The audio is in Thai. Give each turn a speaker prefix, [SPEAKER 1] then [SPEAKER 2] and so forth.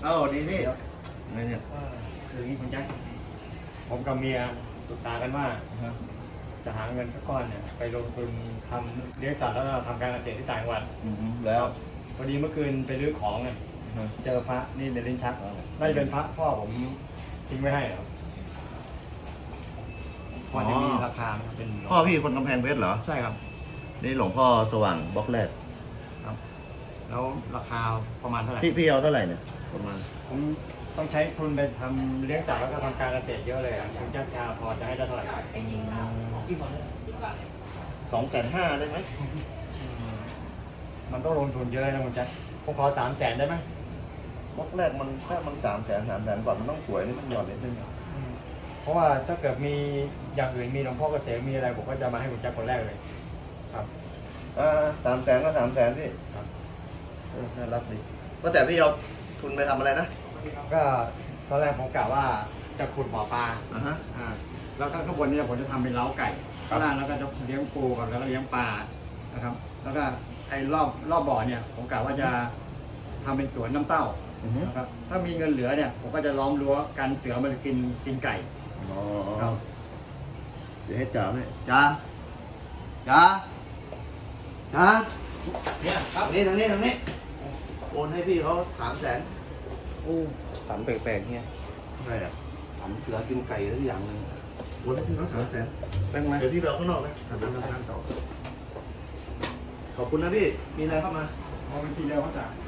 [SPEAKER 1] เอ้าดีพี่ไงเนี่ย
[SPEAKER 2] คืออย่างนี้คุณแจ็คผมกับเมียปรึกษากันว่าจะหาเงินสักก้อนเนี่ยไปลงทุนทำเลี้ยงสัตว์แล้วก็ทำการเกษตรที่ต่างจังหวัด
[SPEAKER 1] แล้ว
[SPEAKER 2] พอดีเมื่อคืนไปรื้อของไงเจอพระนี่ในลิ้นชักน่าจะเป็นพระพ่อผมทิ้งไว้ให้เหรอพอจะมีราคาไหมครับเป็น
[SPEAKER 1] พ่อพี่คนกำแพงเพชรเหรอ
[SPEAKER 2] ใช่ครับ
[SPEAKER 1] นี่หลวงพ่อสว่างบล็อกแรก
[SPEAKER 2] ครับ แล้วราคาประมาณเท่าไหร่
[SPEAKER 1] พี่เอาเท่าไหร่เนี่ยประมาณ
[SPEAKER 2] ผมต้องใช้ทุนไปทำเลี้ยงสัตว์แล้วก็ทำการเกษตรเยอะเลยอ่ะคุณแจ็คพอจะให้ได้เท่าไหร่ครับ
[SPEAKER 1] 250,000ได้ไหม
[SPEAKER 2] มันต้องลงทุนเยอะนะคุณแจ็คผมขอ300,000ได้ไหม
[SPEAKER 1] บล็อกแรกมันถ้ามัน300,000 ก่อนมันต้องสวยนี่มันหย่อนนิดนึง
[SPEAKER 2] เพราะว่าถ้าเกิดมีอย่างอื่นมีหลวงพ่อเกษมมีอะไรผมก็จะมาให้คุณแจ็คคนแรกเลยครับ
[SPEAKER 1] 300,000ก็300,000พี่
[SPEAKER 2] ครับ
[SPEAKER 1] น่ารักดีว่าแต่พี่เอาทุนไปทำอะไรนะ
[SPEAKER 2] ก็ตอนแรกผมกะว่าจะขุดบ่อปลา
[SPEAKER 1] ฮะ
[SPEAKER 2] แล้วก็ข้างบนนี้ผมจะทำเป็นเล้าไก่
[SPEAKER 1] ครับ
[SPEAKER 2] ข้างล่างแล้วก็จะเลี้ยงปูกับแล้วก็เลี้ยงปลานะครับ แล้วก็ไอ้รอบบ่อเนี่ยผมกะว่าจะทำเป็นสวนน้ำเต้านะครับถ้ามีเงินเหลือเนี่ยผมก็จะล้อมรั้วกันเสือมันกินไก่
[SPEAKER 1] อ๋อ
[SPEAKER 2] ครับ
[SPEAKER 1] เดี๋ยวให้จ๋าให้จ๋าเนี่ยครับนี่ทางนี้โอนให้พี่เขา300,000
[SPEAKER 3] ฝันแปลกๆเนี่ย
[SPEAKER 1] อะไรอ่ะ
[SPEAKER 3] ฝันเสือกินไก่ทุกอย่างเลย
[SPEAKER 1] โอนให้พี่เขา300,000
[SPEAKER 3] แป้งไหม
[SPEAKER 1] เดี๋ยวพี่ไปเอาข้างนอกนะ
[SPEAKER 2] ทำน้ำต่อ
[SPEAKER 1] ขอบคุณนะพี่มีอะไรเข้ามา
[SPEAKER 2] เอาบัญชีเดียวเขาจ่าย